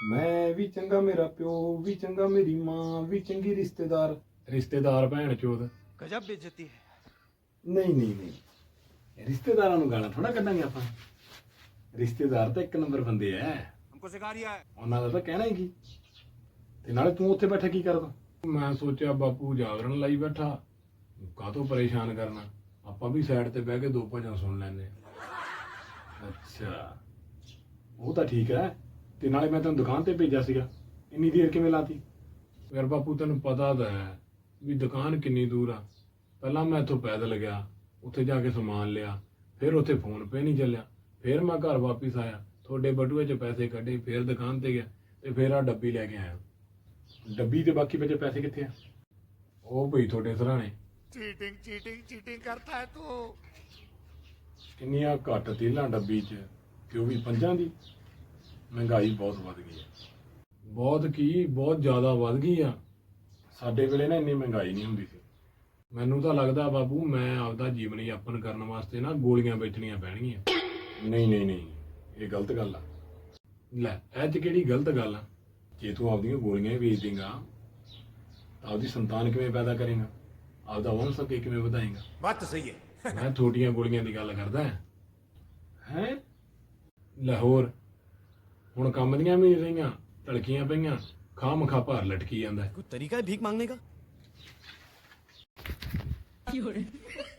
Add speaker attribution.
Speaker 1: ਮੈਂ ਵੀ ਚੰਗਾ, ਮੇਰਾ ਪਿਓ ਵੀ ਚੰਗਾ, ਮੇਰੀ ਮਾਂ ਵੀ ਚੰਗੀ, ਰਿਸ਼ਤੇਦਾਰ ਰਿਸ਼ਤੇਦਾਰ ਭੈਣ ਚੋਦ।
Speaker 2: गजब बेइज्जती है।
Speaker 1: ਨਹੀਂ ਨਹੀਂ ਨਹੀਂ, ਰਿਸ਼ਤੇਦਾਰਾਂ ਨੂੰ ਗਾਲਾਂ ਥੋੜਾ ਕੱਢਾਂਗੇ ਆਪਾਂ। ਰਿਸ਼ਤੇਦਾਰ ਤਾਂ ਇੱਕ ਨੰਬਰ ਬੰਦੇ ਐ,
Speaker 2: हमको सिखा रिया है।
Speaker 1: ਉਹਨਾਂ ਦਾ ਤਾਂ ਕਹਿਣਾ ਹੀ ਕੀ। ਤੇ ਨਾਲੇ ਤੂੰ ਉੱਥੇ ਬੈਠਾ ਕੀ ਕਰਦਾ? ਮੈਂ ਸੋਚਿਆ ਬਾਪੂ ਜਾਗਰਣ ਲਾਈ ਬੈਠਾ, ਕਾਹਤੋਂ ਪਰੇਸ਼ਾਨ ਕਰਨਾ, ਆਪਾਂ ਵੀ ਸਾਈਡ ਤੇ ਬਹਿ ਕੇ ਦੋ ਭਜਨ ਸੁਣ ਲੈਂਦੇ। ਅੱਛਾ, ਉਹ ਤਾਂ ਠੀਕ ਹੈ। ਤੇ ਨਾਲੇ ਮੈਂ ਤੈਨੂੰ ਦੁਕਾਨ ਤੇ ਭੇਜਿਆ ਸੀਗਾ, ਇੰਨੀ ਦੇਰ ਕਿਵੇਂ ਲਾਤੀ? ਯਾਰ ਬਾਪੂ ਤੈਨੂੰ ਪਤਾ ਤਾਂ ਹੈ ਵੀ ਦੁਕਾਨ ਕਿੰਨੀ ਦੂਰ ਆ। ਪਹਿਲਾਂ ਮੈਂ ਇੱਥੋਂ ਪੈਦਲ ਗਿਆ, ਉੱਥੇ ਜਾ ਕੇ ਸਮਾਨ ਲਿਆ, ਫਿਰ ਉੱਥੇ ਫੋਨ ਪੇ ਨਹੀਂ ਚੱਲਿਆ, ਫਿਰ ਮੈਂ ਘਰ ਵਾਪਿਸ ਆਇਆ, ਤੁਹਾਡੇ ਬਟੂਏ 'ਚ ਪੈਸੇ ਕੱਢੇ, ਫਿਰ ਦੁਕਾਨ ਤੇ ਗਿਆ, ਤੇ ਫਿਰ ਆ ਡੱਬੀ ਲੈ ਕੇ ਆਇਆ। ਡੱਬੀ ਤੇ ਬਾਕੀ ਬਚੇ ਪੈਸੇ ਕਿੱਥੇ ਆ? ਉਹ ਭਈ ਤੁਹਾਡੇ ਸਰਾਣੇ।
Speaker 2: चीटिंग चीटिंग चीटिंग करता है तू।
Speaker 1: ਕਿੰਨੀਆਂ ਘੱਟ ਤੇਲਾਂ ਡੱਬੀ 'ਚ, ਤੇ ਉਹ ਵੀ 5 ਦੀ। ਮਹਿੰਗਾਈ ਬਹੁਤ ਵੱਧ ਗਈ ਹੈ, ਬਹੁਤ ਕੀ ਬਹੁਤ ਜ਼ਿਆਦਾ ਵੱਧ ਗਈ ਆ। ਸਾਡੇ ਵੇਲੇ ਨਾ ਇੰਨੀ ਮਹਿੰਗਾਈ ਨਹੀਂ ਹੁੰਦੀ ਸੀ। ਮੈਨੂੰ ਤਾਂ ਲੱਗਦਾ ਬਾਬੂ ਮੈਂ ਆਪਦਾ ਜੀਵਨ ਯਾਪਨ ਕਰਨ ਵਾਸਤੇ ਨਾ ਗੋਲੀਆਂ ਵੇਚਣੀਆਂ ਪੈਣਗੀਆਂ। ਨਹੀਂ ਨਹੀਂ ਨਹੀਂ, ਇਹ ਗਲਤ ਗੱਲ ਆ। ਲੈ ਇਹ 'ਚ ਕਿਹੜੀ ਗਲਤ ਗੱਲ ਆ? ਜੇ ਤੂੰ ਆਪਦੀਆਂ ਗੋਲੀਆਂ ਹੀ ਵੇਚ ਦੇਂਗਾ ਤਾਂ ਆਪਦੀ ਸੰਤਾਨ ਕਿਵੇਂ ਪੈਦਾ ਕਰੇਗਾ, ਆਪਦਾ ਵੰਸ਼ ਅੱਗੇ ਕਿਵੇਂ ਵਧਾਏਗਾ?
Speaker 2: बात तो सही है।
Speaker 1: ਮੈਂ ਛੋਟੀਆਂ ਗੋਲੀਆਂ ਦੀ ਗੱਲ ਕਰਦਾ ਹੈ। ਲਾਹੌਰ ਹੁਣ ਕੰਮ ਦੀਆਂ ਵੀ ਰਹੀਆਂ, ਢਲਕੀਆਂ ਪਈਆਂ, ਖਾਹ ਮਖਾ ਭਾਰ ਲਟਕੀ ਜਾਂਦਾ।
Speaker 2: कोई तरीका है भीख मांगने का?